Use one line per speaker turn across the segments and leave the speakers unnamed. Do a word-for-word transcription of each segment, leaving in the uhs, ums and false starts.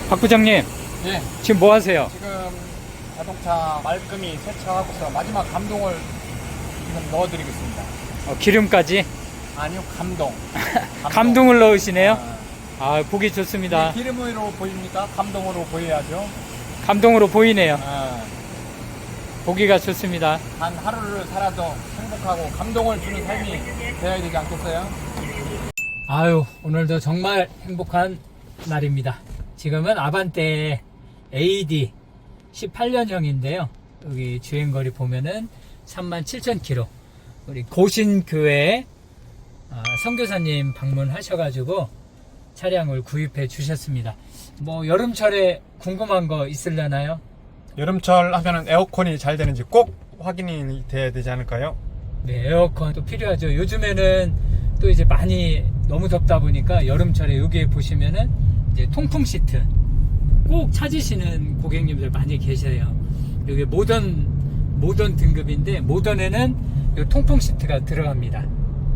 박 부장님,
예,
지금 뭐 하세요?
지금 자동차 말끔히 세차하고서 마지막 감동을 지금 넣어드리겠습니다.
어, 기름까지?
아니요, 감동. 감동.
감동을 넣으시네요?
아,
아, 보기 좋습니다.
이게 기름으로 보입니까? 감동으로 보여야죠.
감동으로 보이네요.
아,
보기가 좋습니다.
단 하루를 살아도 행복하고 감동을 주는 삶이 되어야 되지 않겠어요?
아유, 오늘도 정말 행복한 날입니다. 지금은 아반떼 에이디 십팔 년형인데요. 여기 주행거리 보면은 삼만 칠천 킬로미터. 우리 고신교회 아, 선교사님 방문하셔가지고 차량을 구입해 주셨습니다. 뭐 여름철에 궁금한 거 있으려나요?
여름철 하면은 에어컨이 잘 되는지 꼭 확인이 돼야 되지 않을까요?
네, 에어컨도 필요하죠. 요즘에는 또 이제 많이 너무 덥다 보니까 여름철에 여기에 보시면은 이제 통풍 시트 꼭 찾으시는 고객님들 많이 계세요. 여기 모던 모던 등급인데 모던에는 이 통풍 시트가 들어갑니다.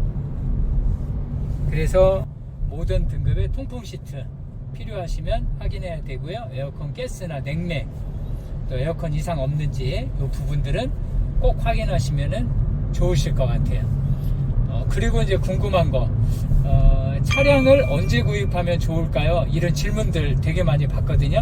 그래서 모던 등급의 통풍 시트 필요하시면 확인해야 되고요. 에어컨 가스나 냉매 또 에어컨 이상 없는지 이 부분들은 꼭 확인하시면은 좋으실 것 같아요. 어, 그리고 이제 궁금한 거 어, 차량을 언제 구입하면 좋을까요? 이런 질문들 되게 많이 받거든요.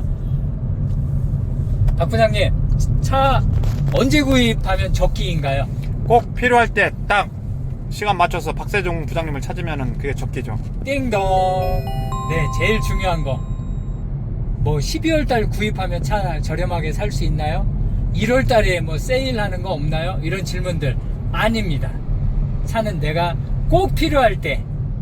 박 부장님, 차 언제 구입하면 적기인가요?
꼭 필요할 때 딱 시간 맞춰서 박세종 부장님을 찾으면은 그게 적기죠.
띵동. 네, 제일 중요한 거. 뭐 십이월 달 구입하면 차 저렴하게 살 수 있나요? 일월 달에 뭐 세일하는 거 없나요? 이런 질문들 아닙니다. 차는 내가 꼭 필요할 때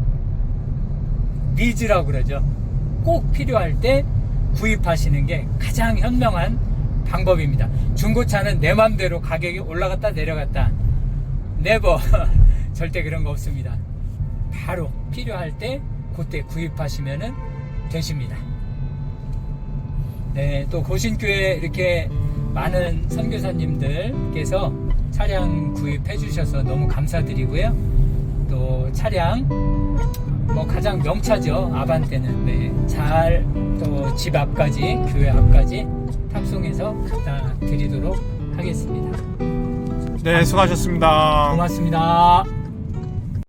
니즈라고 그러죠. 꼭 필요할 때 구입하시는 게 가장 현명한 방법입니다. 중고차는 내 맘대로 가격이 올라갔다 내려갔다 네버 절대 그런 거 없습니다. 바로 필요할 때 그때 구입하시면 되십니다. 네, 또 고신교회 이렇게 많은 선교사님들께서 차량 구입해 주셔서 너무 감사드리고요. 또 차량 뭐 가장 명차죠. 아반떼는 네, 잘 또 집 앞까지 교회 앞까지 탑송해서 갖다 드리도록 하겠습니다.
네, 수고하셨습니다.
고맙습니다.